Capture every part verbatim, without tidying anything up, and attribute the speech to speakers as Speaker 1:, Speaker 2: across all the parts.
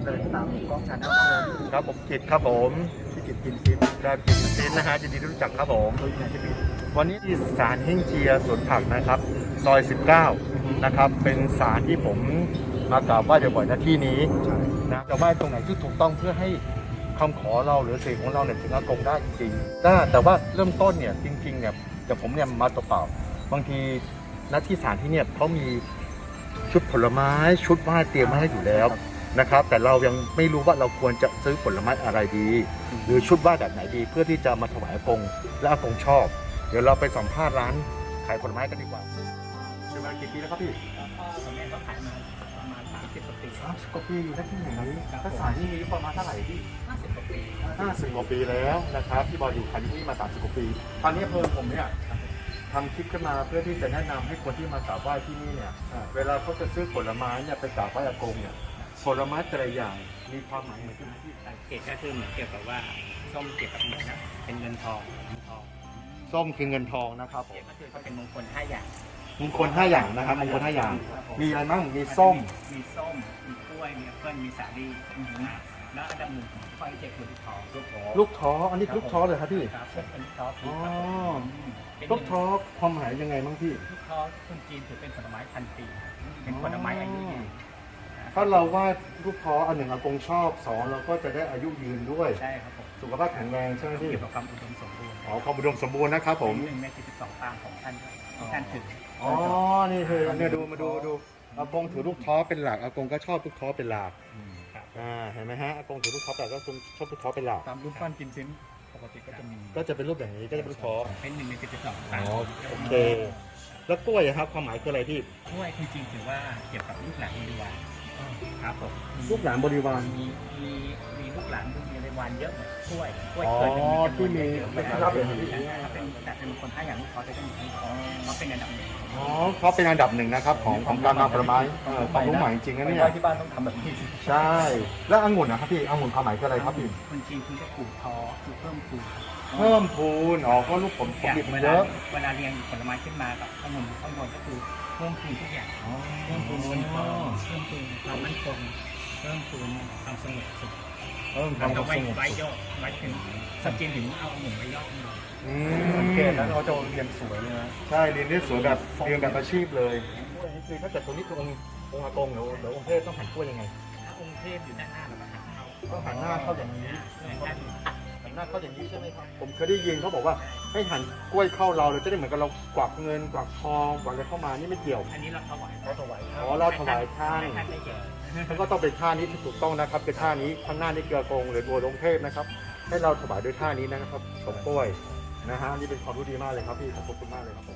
Speaker 1: เลยตามกล้องชาแนลครับผม
Speaker 2: ครับผมกิตครับผมพี่กิตกินซินได้กิตกินซินนะฮะยินดีที่รู้จักครับผม
Speaker 1: โดยงานที่มี
Speaker 2: วันนี้ที่ศาลเฮ่งเจียสวนผักนะครับซอยสิบเก้านะครับเป็นศาลที่ผมมากราบไหว้บ่อยๆณที่นี้
Speaker 1: ใช่
Speaker 2: นะจะไหว้ตรงไหนที่ถูกต้องเพื่อให้คำขอเราหรือสิ่งของเราเนี่ยถึงอากงได้จริงๆแต่แต่ว่าเริ่มต้นเนี่ยจริงๆเนี่ยแต่ผมเนี่ยมาตัวเปล่าบางทีณที่ศาลที่เนี่ยเขามีชุดผลไม้ชุดไหว้เตรียมมาให้อยู่แล้วนะครับแต่เรายังไม่รู้ว่าเราควรจะซื้อผลไม้อะไรดี หรือชุดไหว้แบบไหนดีเพื่อที่จะมาถวายอากงและอากงชอบ เดี๋ยวเราไปสัมภาษณ์ร้านขายผลไม้กันดีกว่าอยู่มากี่ปีแล้วครับพี่
Speaker 3: พ่อกับแม่ก็ขายมาประมาณสามสิบกว่าปี
Speaker 2: สามสิบกว่าปีอยู่ที่ไหนนี้ถ้าสายที่นี้ประมาณเท่าไหร่พี่
Speaker 3: ห้าสิบกว่าปี
Speaker 2: ห้าสิบกว่าปีแล้วนะครับพี่บอยอยู่ขายที่นี่มาสามสิบกว่าปีตอนนี้เพิ่มผมเนี่ยทำคลิปขึ้นมาเพื่อที่จะแนะนำให้คนที่มากราบไหว้ที่นี่เนี่ยเวลาเขาจะซื้อผลไม้เนี่ยไปกราบไหว้อากงเนี่ยผลไม้แต่ละอย่างมีความหมายเหมือนกันไหมพี่
Speaker 3: สังเกตก็คือเหมือนเกี่ยวกับว่าส้มเกี่ยวกับเหมือนนะเป็นเงินทองเงินทอง
Speaker 2: ส้มคือเงินทองนะครับผ
Speaker 3: เกี่ย
Speaker 2: ม
Speaker 3: วก็คือก็เป็นมงคลห้าอย่าง
Speaker 2: มงคลห้าอย่างนะครับมงคลห้าอย่าง มีอะไรบ้างมีส้ม
Speaker 3: มีส้มมีกล้วยมีแอปเปิ้ลมีสาลี่นะแล้วอันดับหนึ่งของไฟเจ็ดคือลูกทองลูกทอง
Speaker 2: ลูกท้ออันนี้ลูกท้อเลยครับพี่
Speaker 3: ครับเป็นลูกทอง
Speaker 2: อ๋อ
Speaker 3: เป็น
Speaker 2: ลูกท้อความหมายยังไงบ้างพี่
Speaker 3: ลูกทองคนจีนถือเป็นผลไม้พันปีเป็นผลไม้อายุยืน
Speaker 2: ถ้าเราว่าลูกท้ออันหนึ่งอากงชอบสองเราก็จะได้อายุยืนด้วย
Speaker 3: ใช่ครับผม
Speaker 2: สุขภาพแข็งแรงใช่ไหมพี่
Speaker 3: เกี่ยวกับความอุดมสมบูรณ์
Speaker 2: อ๋อความอุดมสมบูรณ์นะครับผม
Speaker 3: เป็นหนึ่งในสี่สิบสองปางของท่านที่ท่านถือ
Speaker 2: อ๋อนี่คือเนี่ยดูมาดูดูอากงถือลูกท้อเป็นหลักอากงก็ชอบลูกท้อเป็นหลัก
Speaker 3: ครับ
Speaker 2: อ่าเห็นไหมฮะอากงถือลูกท้อแต่ก็ชอบลูกท้อเป็นหลัก
Speaker 1: ตามรูปปั้นกินซิ้นปกติก็จะมี
Speaker 2: ก็จะเป็นรูปอย่างนี้ก็จะเป็นลูกท้อ
Speaker 3: เป็นหนึ่งในสี่สิบสอง
Speaker 2: อ๋
Speaker 3: ปาง
Speaker 2: อโอเค แล้วกล้วยอะครับความหมายคืออะไรพี่
Speaker 3: กล้วยจริงๆถือว่าเกี่ยวกับลูกหลานบริวารครับผม
Speaker 2: ลูกหลานบริวาร
Speaker 3: มีมีมีลูกหลานลูกบริวารเยอะเหมือนกล้วยกล้วย
Speaker 2: อ๋อ
Speaker 3: เคยจะมีจำน
Speaker 2: ที่
Speaker 3: วน
Speaker 2: มี
Speaker 3: เยอะๆ
Speaker 2: เป็น
Speaker 3: ถ้า
Speaker 2: รับ
Speaker 3: เป็น
Speaker 2: เป็น
Speaker 3: ถ้าเป็นแต่เป็นคนห้าอย่างลูกเขาจะต้องมีที่เขาเป็นอันดับหนึ่ง
Speaker 2: อ๋อเขาเป็นอันดับหนึ่งนะครับของของการนำผลไม้เออความรู้ใหม่จริงๆนะ
Speaker 1: ไป
Speaker 2: เนี่
Speaker 1: ไหว้
Speaker 2: ย
Speaker 1: ที่บ้านต้องทำแบบนี้
Speaker 2: ใช่ แล้วองุ่นนะครับพี่องุ่นความหมายคืออะไรครับพี่
Speaker 3: คนจีนคุณจะปลูกทอคือเพิ่มปลูก
Speaker 2: เพิ่มพูนอ๋อก็ลูกผลผ
Speaker 3: อย่าง
Speaker 2: ลิต
Speaker 3: เว
Speaker 2: เย
Speaker 3: ลา
Speaker 2: อะ
Speaker 3: เวลาเรียงผลไม้ขึ้นมากับข้างบนข้างบนก็คือเพิ่มพูนทุกอย่าง เพิ่มพูนเงินทองเพิ่มพูนความมั่นคงเพิ่มพูนความสงบสุข
Speaker 2: เพิ่มค
Speaker 3: เรา
Speaker 2: วาม
Speaker 3: จะไว้
Speaker 2: สงบ
Speaker 3: ไว้
Speaker 2: สุข
Speaker 3: ยอดไว้ถึงสักจีนถึงเอาหมุนไว้ยอดของเรา
Speaker 2: อื
Speaker 1: สังเกต
Speaker 2: ม
Speaker 1: แล้วเราจะเรียนสวยเลยนะ
Speaker 2: ใช่เรียนได้สวยแบบเรียนแบบอาชีพเลยกล้วยนี่คือถ้าเกิดตัวนี้คือองค์องค์อากงหรือหรือองค์เทพต้องหันกล้วยยังไง
Speaker 3: ถ้าองค์เทพอยู่ด้านหน้าเราก็หันเข้า
Speaker 2: ต้องหันหน้าเข้าอย่างนี้
Speaker 3: ด้าน
Speaker 2: หันหน้าเข้าอย่างนี้ใช่ไหมครับผมเคยได้ยินเขาบอกว่าให้หันกล้วยเข้าเราเราจะได้เหมือนกับเรากวักเงินกวักทองกวักอะไรเข้ามานี่ไม่เกี่ยว
Speaker 3: อันนี้เราถวาย
Speaker 1: เขาถวาย
Speaker 2: อ๋อเราถวายท่าน
Speaker 3: ให้ท่านได้เห็น
Speaker 2: แล้วก็ต้องเป็นท่านี้ที่ถูกต้องนะครับเป็นท่านี้ข้างหน้านี่เกลือกงหรือตัวองค์เทพนะครับ ให้เราถวายด้วยท่านี้นะครับสมกล้วยนะฮะนี่เป็นความรู้ดีมากเลยครับพี่ขอบคุณมากเลยครับผม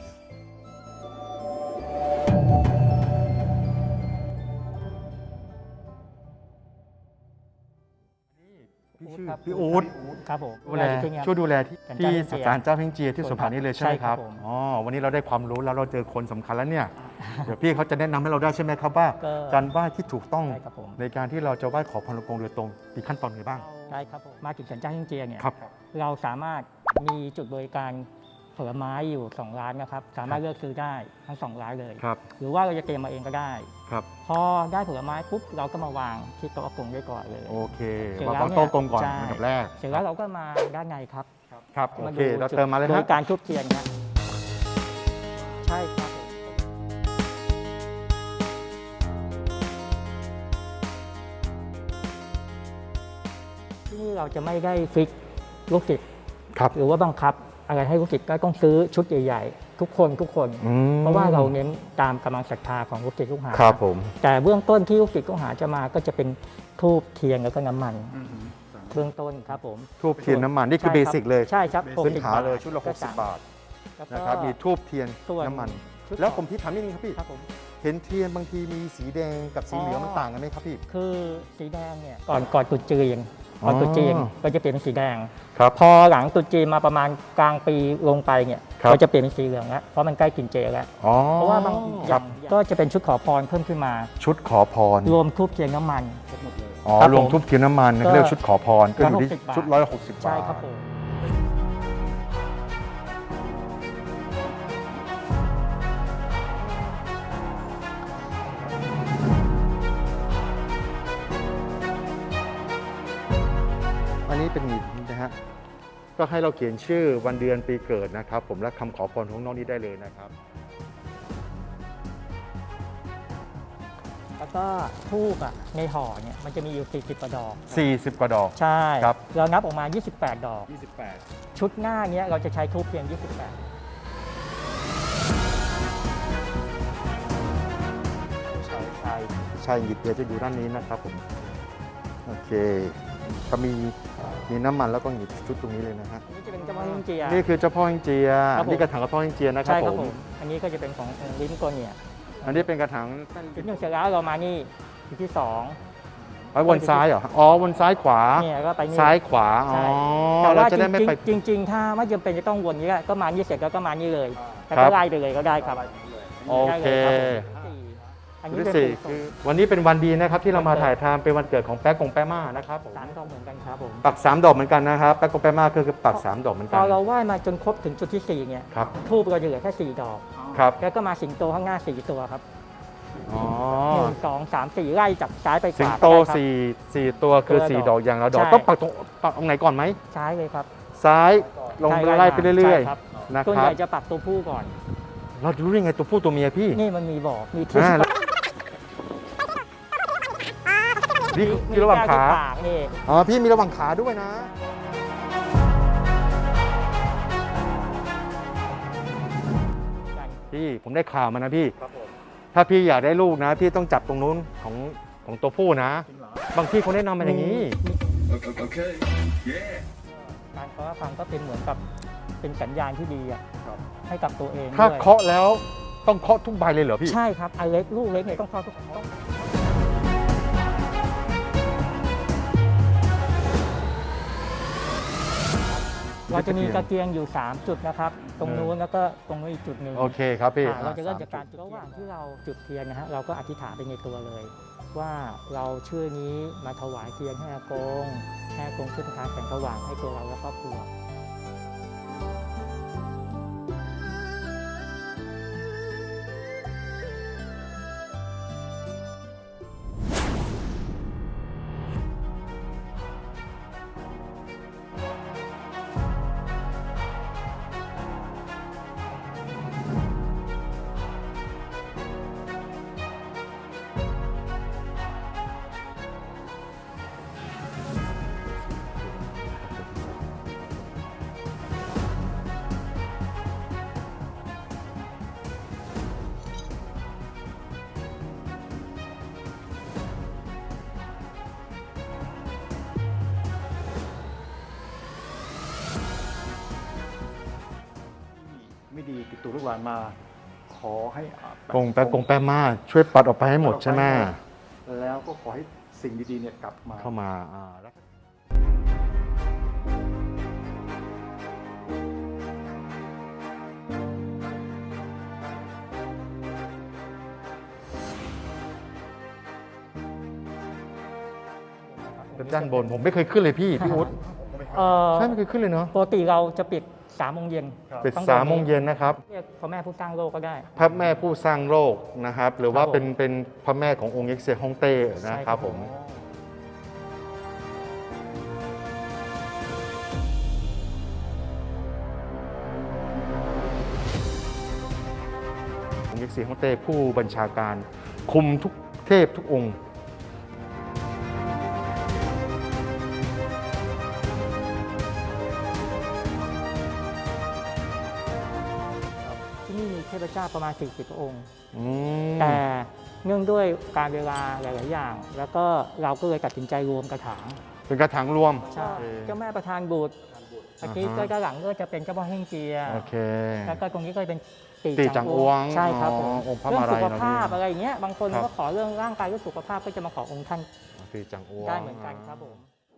Speaker 2: พี่ชื่อพี่อู๊ด
Speaker 3: ครับผม
Speaker 2: ดูแลช่วยดูแลที่ที่ศาลเจ้าเฮงเจียที่สุพรรณนี่เลยใช่ไหมครับ
Speaker 3: ใช่ครับผม
Speaker 2: อ๋อวันนี้เราได้ความรู้แล้วเราเจอคนสำคัญแล้วเนี่ย เดี๋ยวพี่เขาจะแนะนำให้เราได้ใช่ไหมครับว่า
Speaker 3: ก็
Speaker 2: การไหว้ที่ถูกต้อง
Speaker 3: ใช่ครับผม
Speaker 2: ในการที่เราจะไหว้ขอพรหลวงปู่โดยตรงมีขั้นตอนไงบ้าง
Speaker 3: ใช่ครับผมมาถึงสันเจ้าเฮงเจียเนี่ย
Speaker 2: ครับ
Speaker 3: เราสามารถมีจุดบริการผลไม้อยู่สองร้านนะครับ สามารถเลือกซื้อได้ทั้งสองร้านเลย
Speaker 2: ครับ
Speaker 3: หรือว่าเราจะเตรียมมาเองก็ได้
Speaker 2: ครับ
Speaker 3: พอได้ผลไม้ปุ๊บเราก็มาวางที่โต๊ะอากงได้ก่อนเลย
Speaker 2: โอเค
Speaker 3: เสร็จ
Speaker 2: วาง
Speaker 3: แล้ว
Speaker 2: โต๊ะกลมก่อน
Speaker 3: ใช่
Speaker 2: อันดับแรก
Speaker 3: เสร็จแล้วเราก็มาด้านในครับ
Speaker 2: ครับโอเค
Speaker 3: ดู
Speaker 2: เรา
Speaker 3: จุด
Speaker 2: เติมมาเลย
Speaker 3: โด
Speaker 2: ฮะ
Speaker 3: ยการทุบเทียนครับใช่ครับที่นี่เราจะไม่ได้ฟิกลูกศิษย์
Speaker 2: ครับ
Speaker 3: หรือว่าบังคับอะไรให้ลูกศิษย์ก็ต้องซื้อชุดใหญ่ๆทุกคนทุกคน
Speaker 2: อืม
Speaker 3: เพราะว่าเราเน้นตามกำลังศรัทธาของลูกศิษย์ลูกหา
Speaker 2: ครับผม
Speaker 3: แต่เบื้องต้นที่ลูกศิษย์ลูกหาจะมาก็จะเป็นธูปเทียนแล้วก็น้ำมัน
Speaker 1: อืม
Speaker 3: เบื้องต้นครับผม
Speaker 2: ทูบเทียนน้ำมันนี่คือ
Speaker 3: ใช่
Speaker 2: เบ
Speaker 3: รับ
Speaker 2: สิกเลย
Speaker 3: ใช่ครับ
Speaker 2: พื้นฐาน
Speaker 3: หกสิบบ
Speaker 2: เลยชุดละหกสิบบาท
Speaker 3: แล้วก็
Speaker 2: นะครับมีทูบเทียน
Speaker 3: ส่วน
Speaker 2: น้ำมัน
Speaker 3: ชุด
Speaker 2: แล้วผมที่ถามนิดนึงครับพี่
Speaker 3: ครับผม
Speaker 2: เห็นเทียนบางทีมีสีแดงกับสีเหลืองมันต่างกันไหมครับพี่
Speaker 3: คือสีแดงเนี่ยก่อนก่อนตรุษจีนก่อนตรุษจีน
Speaker 2: อ๋อ
Speaker 3: ก็จะเปลี่ยนเป็นสีแดง
Speaker 2: ครับ
Speaker 3: พอหลังตรุษจีนมาประมาณกลางปีลงไปเนี่ย
Speaker 2: ครับ
Speaker 3: ก็จะเปลี่ยนเป็นสีเหลืองแล้วเพราะมันใกล้กินเจแล้ว
Speaker 2: อ๋อ
Speaker 3: เพราะว่าบางอ
Speaker 2: ครั
Speaker 3: ย่า
Speaker 2: บ
Speaker 3: งก็จะเป็นชุดขอพรเพิ่มขึ้นมา
Speaker 2: ชุดขอพร
Speaker 3: รวมทูบเทียนน้ำมัน
Speaker 1: หมดเลย
Speaker 2: อ๋อ
Speaker 3: ครับ
Speaker 2: รวม
Speaker 3: ผม
Speaker 2: ทูบเทียนน้ำมัน
Speaker 3: ก็
Speaker 2: เรียกชุดขอพรก็อยู่ที่
Speaker 3: ร้อยหกสิบบาท
Speaker 2: ชุดร้อยหกสิบบาท
Speaker 3: ใช่ครับผม
Speaker 2: คอันนี้เป็นหงิดนะฮะก็ให้เราเขียนชื่อวันเดือนปีเกิดนะครับ ผมและคำขอพรของน้องนี้ได้เลยนะครับ
Speaker 3: แล้วก็ทูบอ่ะในห่อเนี่ยมันจะมีอยู่สี่สิบกว่าดอก
Speaker 2: สี่สิบ กว่าดอก
Speaker 3: ใช่
Speaker 2: ครับ
Speaker 3: เรานับออกมายี่สิบแปดดอก
Speaker 1: ยี่สิบแปด
Speaker 3: ชุดหน้าเนี้ยเราจะใช้ทูบเพียงยี่สิบแปด
Speaker 2: ใช่ใช่ใช่หยิบเดี๋ยวจะอยู่ด้านนี้นะครับผมโอเคก็มีมีน้ำมันแล้วก็หยิบชุดตรงนี้เลยนะฮะ
Speaker 3: อันนี้จะเป็นเจ้าพ่อเฮงเจีย
Speaker 2: นี่คือเจ้าพ่อเฮงเจีย
Speaker 3: ครับผม
Speaker 2: นี่กระถางกระพ่อเฮงเจียนะครับ
Speaker 3: ใช่ค
Speaker 2: ผ
Speaker 3: รับ
Speaker 2: ม
Speaker 3: ผมอันนี้ก็จะเป็นของลิ้นโกเนีย
Speaker 2: อันนี้เป็นกระถาง
Speaker 3: จุดหนึ่งเสร็จแล้วเรามานี่จุดที่สอง
Speaker 2: ไว้บนซ้ายเหรออ๋อบนซ้ายขวา
Speaker 3: เนี่ยก็ไปนี่
Speaker 2: ซ้ายขวาอ๋อ
Speaker 3: ใช่แต่
Speaker 2: เรา
Speaker 3: ว่า
Speaker 2: จะได้ไม่ไป
Speaker 3: จริงๆจริง ๆ ถ้าไม่จำเป็นจะต้องวนนี้ก็ก็มานี่เสร็จแล้วก็มานี่เลยแต่
Speaker 2: ครั
Speaker 3: ก็
Speaker 2: บ
Speaker 3: ไล่ไปเลยก็ได้ครับ
Speaker 2: โอเค
Speaker 3: ได้เลยครับผมอันนี้
Speaker 2: ที่
Speaker 3: เป็น
Speaker 2: สี่
Speaker 3: ปู
Speaker 2: คือวันนี้เป็นวันดีนะครับที่เรามาถ่ายทำเป็นวันเกิดของแป๊กกงแป๊ม่านะครับผม
Speaker 3: สามดอกเหมือนกันครับผม
Speaker 2: ปักสามดอกเหมือนกันนะครับแป๊กกงแป๊ม่าคือคือปักสามดอกเหมือน
Speaker 3: พ
Speaker 2: กัน
Speaker 3: อเราไหว้มาจนครบถึงจุดที่สี่เนี่ย
Speaker 2: ครับ
Speaker 3: ทูบเราจะเหลือแค่สี่ดอก
Speaker 2: ครับ
Speaker 3: แล้วก็มาสิงโตข้างหน้าสี่ตัวครับ
Speaker 2: อ๋อ
Speaker 3: หนึ่งสองสามสี่ไล่จากซ้ายไปขวา
Speaker 2: สิงโต
Speaker 3: ก็ได้ครับ
Speaker 2: สี่สี่ตัวคือ
Speaker 3: ตัวละ
Speaker 2: สี่
Speaker 3: ด
Speaker 2: ด
Speaker 3: อ
Speaker 2: อก กอย่างละดอก
Speaker 3: ใช่
Speaker 2: ต้องปักตรงปักตรงไหนก่อนไหม
Speaker 3: ซ้ายเลยครับ
Speaker 2: ซ้ายลง
Speaker 3: ใช่
Speaker 2: ไล่ไปเรื่อย
Speaker 3: ใช่ครับ
Speaker 2: ๆนะ
Speaker 3: ส่วน
Speaker 2: ค
Speaker 3: ให
Speaker 2: รับ
Speaker 3: ญ่จะปักตัวผู้ก่อน
Speaker 2: เราจะรู้ได้ไงตัวผู้ตัวเมียพี่
Speaker 3: นี่มันมีบอกมีที่
Speaker 2: อ่าแล้วนี่คือระหว่างขา
Speaker 3: มีแก้วที่ปากนี่
Speaker 2: อ๋อพี่มีระหว่างขาด้วยนะ พี่ผมได้ข่าวมานะพี่
Speaker 1: ครับผม
Speaker 2: ถ้าพี่อยากได้ลูกนะ พี่ต้องจับตรงนู้นของของตัวผู้นะ
Speaker 1: จริงเหรอ
Speaker 2: บางที่เขาแนะนำมาอย่างนี้
Speaker 4: Okay. Yeah.
Speaker 3: การเคาะฟังก็เป็นเหมือนกับเป็นสัญญาณที่ดีอะ
Speaker 1: ครับ
Speaker 3: ให้กับตัวเอง
Speaker 2: ถ้า
Speaker 3: ด้วย
Speaker 2: เคาะแล้วต้องเคาะทุกใบเลยเหรอพี่
Speaker 3: ใช่ครับอันเล็กลูกเล็กเนี่ยต้องเคาะทุกต้องเราจะมีตะเกียงอยู่ สาม จุดนะครับ ตรงนู้นแล้วก็ตรงนู้นอีกจุดหนึ่ง
Speaker 2: โอเคครับพี่
Speaker 3: อ่าเราจะเริ่ม
Speaker 2: อ่
Speaker 3: จากการจุดระหว่างที่เราจุดเทียนนะฮะเราก็อธิษฐานไปในตัวเลย ว่าเราชื่อนี้มาถวายเทียนให้อากงให้อากงช่วยประทานแสงสว่างให้ตัวเราและครอบครัว
Speaker 1: ไม่ดีติดตัวลูกหลานมา ขอให้อ่ะ
Speaker 2: กงแป๊กกงแป๊ม่าช่วยปัดออกไปให้หมดใช่ไหม
Speaker 1: แล้วก็ขอให้สิ่งดีๆเนี่ยกลับมา
Speaker 2: เข้ามาอ่าแล้ว ด้านบนผมไม่เคยขึ้นเลยพี่พี่อุ๊ด
Speaker 3: เอ่อ
Speaker 2: ใช่ไม่เคยขึ้นเลยเนาะ
Speaker 3: ปกติเราจะปิดสามโมงเย็น
Speaker 2: ปิดสามโมงเย็นนะครับ
Speaker 3: เรียกพระแม่ผู้สร้างโลกก็ได้
Speaker 2: พระแม่ผู้สร้างโลกนะครับ หรือว่า
Speaker 3: ครับผม
Speaker 2: เป็นเป็นพระแม่ขององค์เอ็กเซียฮ่องเต้นะ
Speaker 3: ใช่
Speaker 2: ค
Speaker 3: ครั
Speaker 2: รับบ ผม องค์เอ็กเซียฮ่องเต้ผู้บัญชาการคุมทุกเทพทุกองค์
Speaker 3: ที่นี่มีเทพเจ้าประมาณสี่สิบพระองค์
Speaker 2: อืม
Speaker 3: แต่เนื่องด้วยการเวลาหลาย ๆ อย่าง แล้วก็เราก็เลยตัดสินใจรวมกระถาง
Speaker 2: เป็นกระถางรวม
Speaker 3: ใช่
Speaker 2: โอเค
Speaker 3: เจ้าแม่ประธานบุตรเมื่อกี้
Speaker 2: อ่าฮะ
Speaker 3: ก็ด้านหลังก็จะเป็นเจ้าพ่อเฮงเจีย
Speaker 2: โอเค
Speaker 3: แล้วก็ตรงนี้ก็เป็น
Speaker 2: ตีจังอวง
Speaker 3: ใช่ครับผม
Speaker 2: อ๋อองค์พระ
Speaker 3: เรื่อง
Speaker 2: มาลั
Speaker 3: สุ
Speaker 2: ย
Speaker 3: ข
Speaker 2: เนอะ
Speaker 3: ภาพ
Speaker 2: พี่
Speaker 3: อะไรอย่างเงี้ยบางคน
Speaker 2: ครับ
Speaker 3: ก็ขอเรื่องร่างกายเรื่องสุขภาพก็จะมาขอองค์ท่าน
Speaker 2: ตีจังอวง
Speaker 3: ได้เหมือนกันครับผม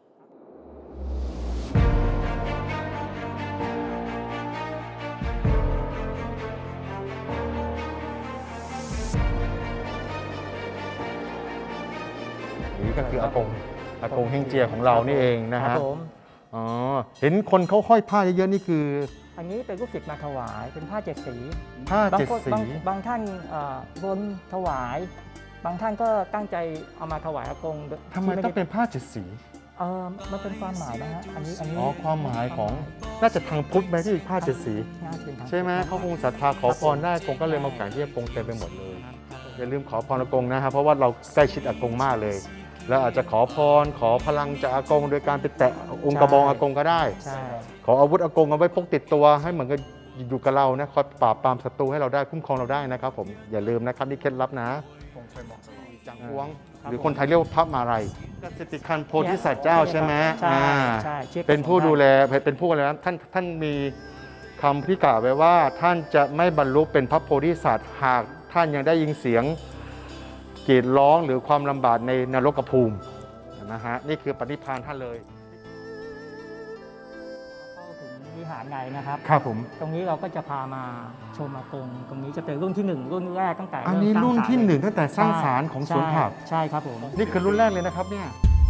Speaker 2: นี่ก็คืออากงอากงเฮงเจียของเรานี่เองนะ
Speaker 3: ครั
Speaker 2: ฮะ
Speaker 3: บผม
Speaker 2: อ๋อเห็นคนเขาห้อยผ้าเยอะๆนี่คือ
Speaker 3: อันนี้เป็นลูกศิษย์มาถวายเป็นผ้าเจ็ดสี
Speaker 2: ผ้า
Speaker 3: บาง
Speaker 2: เจ็ด
Speaker 3: คน
Speaker 2: สี
Speaker 3: บางบางท่านเอ่อบนถวาย บางท่านก็ตั้งใจเอามาถวายอากง
Speaker 2: ทำไม
Speaker 3: ที่
Speaker 2: ต้อง
Speaker 3: ด้
Speaker 2: เป็นผ้าเจ็ดสี
Speaker 3: เออมันเป็นความหมายนะฮะอันนี้อันนี้
Speaker 2: อ๋อความหมายของน่าจะทางพุทธไหมที่ผ้าเจ็ดสี
Speaker 3: น่าจะเป็นทาง
Speaker 2: ใช่ไหมเขาคงศรัทธาขอพรได้อากงก็เลยมาแขวนที่อากงเต็มไปหมดเลย
Speaker 3: ครับครับผม
Speaker 2: อย่าลืมขอพรอากงนะครับเพราะว่าเราใกล้ชิดอากงมากเลย แล้วอาจจะขอพรขอพลังจากอากงโดยการไปแตะองค์กระบองอากงก็ได้
Speaker 3: ใช่
Speaker 2: ขออาวุธอากงเอาไว้พกติดตัวให้เหมือนกับอยู่กับเรานะคอยปราบปรามศัตรูให้เราได้คุ้มครองเราได้นะครับผมอย่าลืมนะครับนี่เคล็ดลับนะ
Speaker 1: คงเคยบอกตลอด
Speaker 2: จังหวงหรือคนไทยเรียกว่าพระมาลัยกสิทธิคันโพธิสัตว์เจ้าใช่ไหม
Speaker 3: ใช่
Speaker 2: อ่า
Speaker 3: ใช่ชื่อ
Speaker 2: เป็นผู้ดูแลเป็นผู้อะไรนะท่านท่านมีคำที่กล่าวไว้ว่าท่านจะไม่บรรลุเป็นพระโพธิสัตว์หากท่านยังได้ยินเสียงกรีดร้องหรือความลำบากในนรกภูมินะฮะนี่คือปณิพานท่านเลย
Speaker 3: เข้าถึงวิหารในนะครับ
Speaker 2: ครับผม
Speaker 3: ตรงนี้เราก็จะพามาชมอากงตรงนี้จะเป็นรุ่นที่หนึ่งรุ่นแรกตั้งแต่
Speaker 2: อันนี้
Speaker 3: เมสา
Speaker 2: รุ่นที่
Speaker 3: ศาล
Speaker 2: หนึ่งตั้งแต่สร้างสารของสวนผัก
Speaker 3: ใช่ครับผม
Speaker 2: นี่คือรุ่นแรกเลยนะครับเนี่ย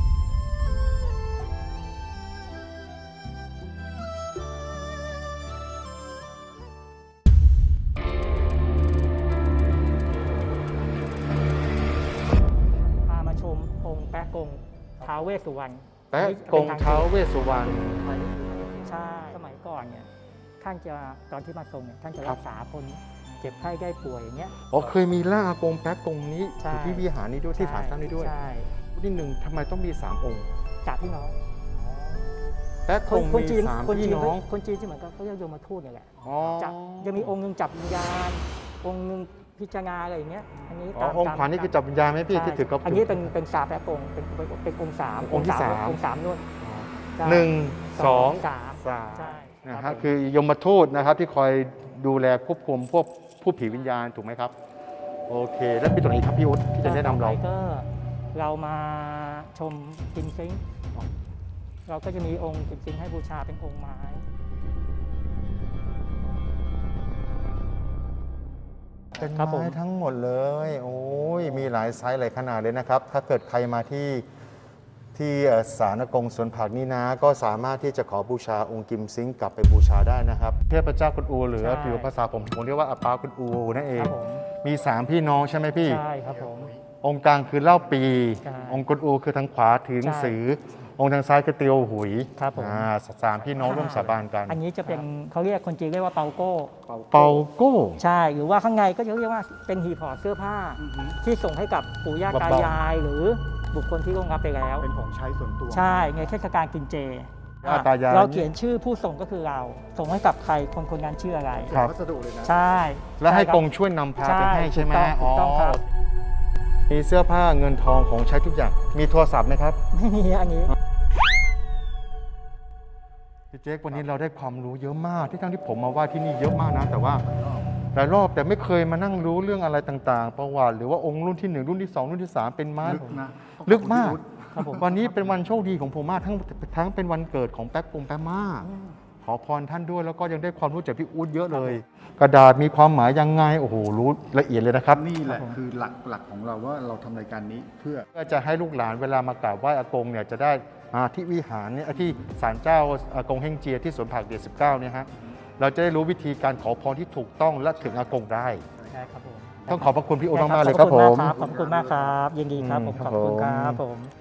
Speaker 3: พามาชมองค์แป๊ะกงท้าวเวสสุวรรณ
Speaker 2: แป๊ะกงเท้าเวสสุวรรณ
Speaker 3: ใช่สมัยก่อนเนี่ยท่านจะตอนที่มาทรงเนี่ยท่านจะ
Speaker 2: ครั
Speaker 3: รับ กษาคนเจ็บไข้ได้ป่วยอย่างเงี้ย
Speaker 2: อ๋อเคยมีร่างอากงแป๊ะกงนี้อ
Speaker 3: ใช่
Speaker 2: ยู่ที่วิหารนี้ด้วยที่ศาลตั้งนี้ด้วย
Speaker 3: ใช่
Speaker 2: รุ่นที่หนึ่งทำไมต้องมีสามองค์
Speaker 3: จากพี่น้อง
Speaker 2: แป๊ะ
Speaker 3: ค
Speaker 2: ก
Speaker 3: น
Speaker 2: ง
Speaker 3: คน
Speaker 2: มี
Speaker 3: จีน
Speaker 2: สาม
Speaker 3: คน
Speaker 2: พี่
Speaker 3: จีน
Speaker 2: น้อง
Speaker 3: คนจีนที่เหมือนกับเขาเรียกโยมทูตเนี่ยแหละ
Speaker 2: อ๋อ
Speaker 3: จะจะมีองค์หนึ่งจับวิญญาณ องค์หนึ่งพิจารณาอะไรอย่างเงี้ยอันนี้
Speaker 2: อ๋อ
Speaker 3: ตาม
Speaker 2: องค์ขวานี่คือจับวิญญาณไหมพี่
Speaker 3: ใช่
Speaker 2: ที่ถือกระปุก
Speaker 3: อันนี้เป็นเป็นสาแป๊ะกงเป็นเป็นเป็นองค์สาม
Speaker 2: องค์ที่สาม
Speaker 3: องค์สามนู่นใช่
Speaker 2: หนึ่งสอง
Speaker 3: สาม
Speaker 2: สาม
Speaker 3: ใช่
Speaker 2: นะ
Speaker 3: ค
Speaker 2: ค
Speaker 3: รั
Speaker 2: รั
Speaker 3: บบ
Speaker 2: คือยมทูตนะครับที่คอยดูแลควบคุมพวกผู้ผีวิญญาณถูกไหมครับ โอเค แล้วมีตัวไหนอีกครับพี่อุ๊ดที่จะแนะนำเรา
Speaker 3: ต่อไปก็เรามาชมกิมซิงเราก็จะมีองค์กิมซิงให้บูชาเป็นองค์ไม้
Speaker 2: เป็น
Speaker 3: ครับผม
Speaker 2: ไม้ทั้งหมดเลย โอ้ย มีหลายไซส์หลายขนาดเลยนะครับ ถ้าเกิดใครมาที่ที่เอ่อศาลอากงสวนผักนี่นะ ก็สามารถที่จะขอบูชาองค์กิมซิงกลับไปบูชาได้นะครับ เทพเจ้าคุณอูหรือผิวภาษาผมผมเรียกว่าอาปาคุณอูนั่นเอ
Speaker 3: ค
Speaker 2: ง
Speaker 3: รับผม
Speaker 2: มีสามพี่น้องใช่ไหมพี่
Speaker 3: ใช่ครับผม
Speaker 2: องค์กลางคือเล่าปี
Speaker 3: ใช่
Speaker 2: องค์กุนอูคือทางขวาถือหนังสือ
Speaker 3: ใช่
Speaker 2: องค์ทางซ้ายคือเตียวหุย
Speaker 3: ครับผม
Speaker 2: อ่าสามพี่น้องร่วมสาบานกัน
Speaker 3: อันนี้จะเป็นเขาเรียกคนจีนเรียกว่าเปาโก้
Speaker 2: เปาโก้
Speaker 3: ใช่หรือว่าข้างในก็จะเรียกว่าเป็นหีบห่อเสื้อผ้า
Speaker 1: อือฮึ
Speaker 3: ที่ส่งให้กับปู่ย่าตา
Speaker 2: เบาๆ
Speaker 3: ยาย หรือบุคคลที่ล่วงลับไปแล้ว
Speaker 1: เป็นของใช้ส่วนตัว
Speaker 3: ใช่ในเทศกาลกินเจ
Speaker 2: ย่าตายาย
Speaker 3: เราเขียนชื่อผู้ส่งก็คือเรา ส่งให้กับใครคนคนนั้นชื่ออะไร
Speaker 2: ครับ
Speaker 1: วัสดุเลยนะ
Speaker 3: ใช่
Speaker 2: แล้วให้
Speaker 3: ช่ครับ
Speaker 2: กงช่วยนำพาไปให้ใช่ไหม
Speaker 3: ถูกต้องถูกต้องครับ
Speaker 2: มีเสื้อผ้าเงินทองของใช้ทุกอย่าง มีโทรศัพท์ไหมครับ
Speaker 3: ไม่มีอันนี้
Speaker 2: พี่เจ๊กวันนี้เราได้ความรู้เยอะมาก ที่ทั้งที่ผมมาว่าที่นี่เยอะมากนะ แต่ว่าหลายรอบแต่ไม่เคยมานั่งรู้เรื่องอะไรต่างๆ ประวัติหรือว่าองค์รุ่นที่หนึ่งรุ่นที่สองรุ่นที่สามเป็นไม้
Speaker 1: ลึกนะ
Speaker 2: ลึกมาก
Speaker 3: ครับผม
Speaker 2: วันนี้เป็นวันโชคดีของผมมากทั้งทั้งเป็นวันเกิดของแป๊บปงแป๊บมาก ขอพรท่านด้วยแล้วก็ยังได้ความรู้จากพี่อู๊ดเยอะเลย กระดาษมีความหมายยังไงโอ้โหรู้ละเอียดเลยนะครับ
Speaker 1: นี่แหละคือหลักหลักของเราว่าเราทำรายการนี้เพื่อ
Speaker 2: เพื่อจะให้ลูกหลานเวลามากราบไหว้อากงเนี่ยจะได้มาที่วิหารเนี่ยที่ศาลเจ้าอากงเฮงเจียที่สวนผักเดียสิบเก้าเนี่ยฮะเราจะได้รู้วิธีการขอพรที่ถูกต้องและถึงอากงได้
Speaker 3: ใช่ครับผม
Speaker 2: ต้องขอบพระคุณพี่อู๊ด
Speaker 3: ได้
Speaker 2: มากๆเลย
Speaker 3: ข
Speaker 2: ค
Speaker 3: อ
Speaker 2: รั
Speaker 3: บบ คุ
Speaker 2: ผ
Speaker 3: ณ
Speaker 2: ม
Speaker 3: มากครับขอบคุณมากครับยินดีครับผม
Speaker 2: อืม
Speaker 3: ขอบคุณ
Speaker 2: ค
Speaker 3: ค
Speaker 2: รั
Speaker 3: รั
Speaker 2: บบ ผม
Speaker 3: ผม